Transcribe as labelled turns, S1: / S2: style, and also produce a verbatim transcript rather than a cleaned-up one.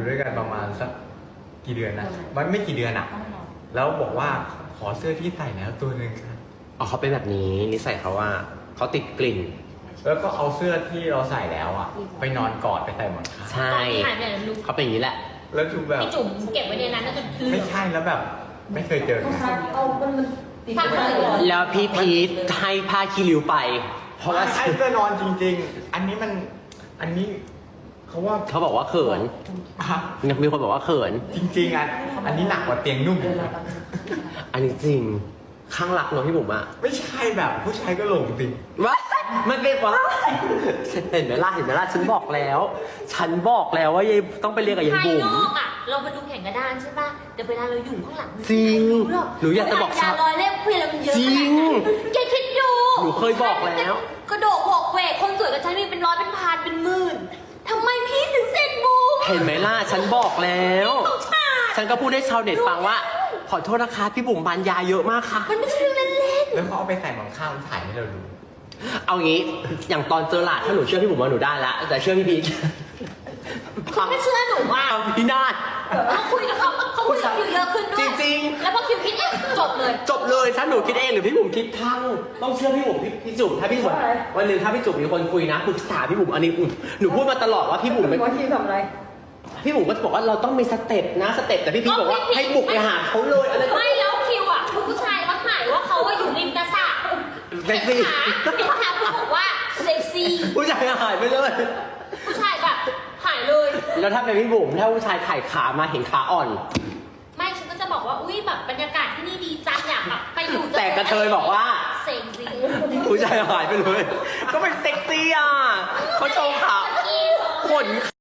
S1: ด้วยกันประมาณสักกี่เดือนนะมันไม่กี่เดือนอะแล้วบอกว่าขอเสื้อที่ใส่แล้วตัวหนึ่งครับ
S2: อ๋อเขาเป็นแบบนี้นิสัยเขาว่าเขาติดกลิ่น
S1: แล้วก็เอาเสื้อที่เราใส่แล้วอะไปนอนกอดไปใส่หมอนข้าง
S2: ใช่
S3: ตอนที่หายไปไหนลูก
S2: เขาเป็นอย่างนี้แหละ
S1: แล้วจูแบบ
S3: พี่จุ๋มเก็บไว้ในนั้นแล้วจนเหลื
S1: ไม่
S3: อง
S1: ใช่แล้วแบบไม่เคยเจอกัน
S4: เอามันมันติด
S3: ฟังเลย
S2: แล้วพี่พีทให้ผ้าคีริ้วไป เพราะว่า
S1: ใช่เสื้อนอนจริง ๆ อันนี้มันอันนี้เขาว่า
S2: เขาบอกว่าเขิน
S1: อ่ะ
S2: มีคนบอกว่าเขิน
S1: จริงๆอ่ะอันนี้หนักกว่าเตียงนุ่มอีกนะ
S2: อันนี้จริงข้างรักเนาะพี่บุ๋มอะ
S1: ไม่ใช่แบบผู้ชายก็หลงติ
S2: ว้ามันเป็นว่าเห็นไหมล่ะเห็นไหมล่ะฉันบอกแล้ว ฉันบอกแล้วว่ายายต้องไปเรียนกับยาย
S3: ภาย
S2: บุ๋ม
S3: นอกอ่ะ เรามาดูแข่งกระดานใช่ป่ะแต่เวลาเราอยู่ข้างหลัง
S2: จริง
S3: ไม่รู้หรอก
S2: หนูอยากจะบอก
S3: ยาลอยเล่มคุยแล้วมันเยอะ
S2: จริง
S3: ขนาดนั้นแกคิดดู
S2: หนูเคยบอกแล้ว
S3: กระโดดโขกเวกคนสวยกับฉันมีเป็นร้อยเป็นพันเป็นหมื่นทำไมพี่ถึงเสร็จบูม
S2: เห็นไหมล่ะฉันบอกแล้ว
S3: ของชาติ
S2: ฉันก็พูดให้ชาวเน็ตฟังว่า ขอโทษนะคะพี่บุ๋มบานยาเยอะมากค่ะ
S3: มันไม่ใช่เรื่องเล่น
S1: แล้วเขาเอาไปใส่หมอนข้างถ่ายให้เราดู
S2: เอางี้อย่างตอนเจอหลาดถ้าหนูเชื่อพี่บุ๋มว่าหนูได้ละแต่เชื่อพี่พีท
S3: ๆคุณไม่เชื่อหนูว่า
S2: ทำพี่นาฏ
S3: เขาคุยกับเขาเขาคุยกับคิวเยอะขึ้นด้วย
S2: จริง
S3: แล้วพอคิวคิดเองจบเลย
S2: จบเลยถ้าหนูคิดเองหรือพี่บุ๋มคิดทั้งต้องเชื่อพี่บุ๋มพี่พี่จุ๋มถ้าพี่บุ๋มวันหนึ่งถ้าพี่จุ๋มมีคนคุยนะปรึกษาพี่บุ๋มอันนี้หนูพูดมาตลอดว่าพี่บุ๋มไม่
S4: หมอชีทำอะไร
S2: พี่บุ๋มก็จะบอกว่าเราต้องมีสเต็ปนะสเต็ปแต่พี่พีทบอกว่าให้บุกไปหาเขาเลยอะไร
S3: ไม่แล้วคิวอ่ะคุณผู้ชายมาถ่ายว่าเขาว่าอยู่ริมกระสระ
S2: เซ็กซี่
S3: เห็นขาคุณบอกว่าเซ็กซี่
S2: ผู้ชายหายไปเลย
S3: ผู้ชายแบบหายเลย
S2: แล้วถ้าเป็นพี่บุ๋มถ้าผู้ชายถ่ายขามาเห็นขาอ่อน
S3: ไม่ฉันก็จะบอกว่าอุ้ยแบบบรรยากาศที่นี่ดีจังอยากแบบไปอยู่
S2: แต่กระเทยบอกว่า
S3: เซ็กซี่
S2: ผู้ชายหายไปเลย ก็เป็นเซ็กซี่อ่ะเขาโชว์ขาขน